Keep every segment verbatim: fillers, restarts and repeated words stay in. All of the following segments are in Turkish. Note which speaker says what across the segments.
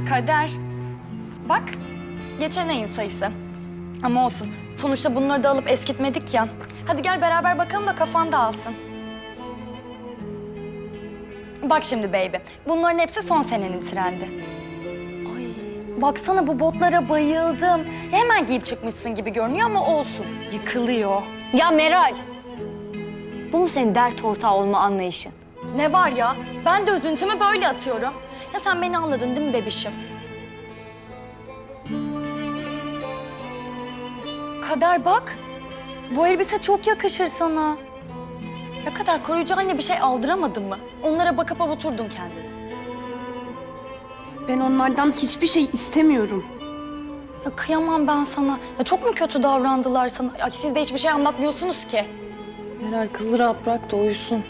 Speaker 1: Kader. Bak, geçen ayın sayısı. Ama olsun, sonuçta bunları da alıp eskitmedik ya. Hadi gel beraber bakalım da kafan dağılsın. Bak şimdi baby, bunların hepsi son senenin trendi. Ay, baksana bu botlara bayıldım. Ya hemen giyip çıkmışsın gibi görünüyor ama olsun, yıkılıyor.
Speaker 2: Ya Meral, bu mu senin dert ortağı olma anlayışın?
Speaker 1: Ne var ya, ben de üzüntümü böyle atıyorum. Ya sen beni anladın değil mi bebişim? Kader bak, bu elbise çok yakışır sana. Ya Kader, koruyucu anne bir şey aldıramadın mı? Onlara bakıp avuturdun kendini.
Speaker 3: Ben onlardan hiçbir şey istemiyorum.
Speaker 1: Ya kıyamam ben sana. Ya çok mu kötü davrandılar sana? Ya siz de hiçbir şey anlatmıyorsunuz ki.
Speaker 4: Meral kızı rahat bırak da uyusun.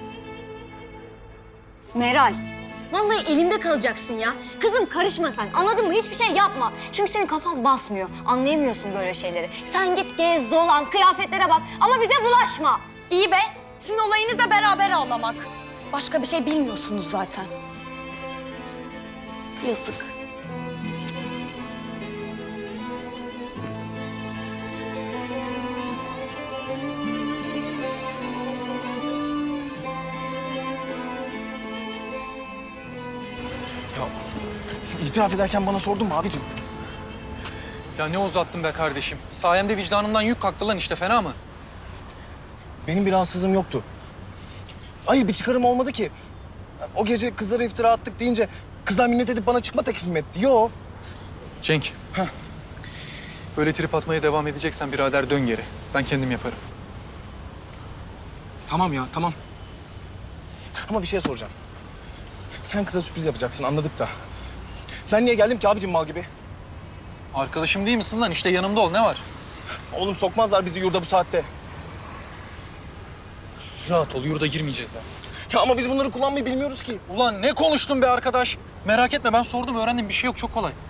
Speaker 2: Meral, vallahi elimde kalacaksın ya. Kızım karışma sen, anladın mı? Hiçbir şey yapma. Çünkü senin kafan basmıyor, anlayamıyorsun böyle şeyleri. Sen git gez, dolan, kıyafetlere bak ama bize bulaşma.
Speaker 1: İyi be, sizin olayınız da beraber ağlamak. Başka bir şey bilmiyorsunuz zaten. Yazık.
Speaker 5: Ya itiraf ederken bana sordun mu abicim?
Speaker 6: Ya ne uzattın be kardeşim. Sayemde vicdanından yük kalktı lan işte, fena mı?
Speaker 5: Benim bir rahatsızlığım yoktu. Hayır, bir çıkarım olmadı ki. O gece kızlara iftira attık deyince kızlar minnet edip bana çıkma teklif mi etti? Yo.
Speaker 6: Cenk.
Speaker 5: Heh.
Speaker 6: Böyle trip atmaya devam edeceksen birader dön geri. Ben kendim yaparım.
Speaker 5: Tamam ya, tamam. Ama bir şey soracağım. Sen kıza sürpriz yapacaksın, anladık da. Ben niye geldim ki abicim mal gibi?
Speaker 6: Arkadaşım değil misin lan? İşte yanımda ol, ne var?
Speaker 5: Oğlum sokmazlar bizi yurda bu saatte.
Speaker 6: Rahat ol, yurda girmeyeceğiz ha.
Speaker 5: Ya ama biz bunları kullanmayı bilmiyoruz ki.
Speaker 6: Ulan ne konuştun be arkadaş? Merak etme, ben sordum, öğrendim. Bir şey yok, çok kolay.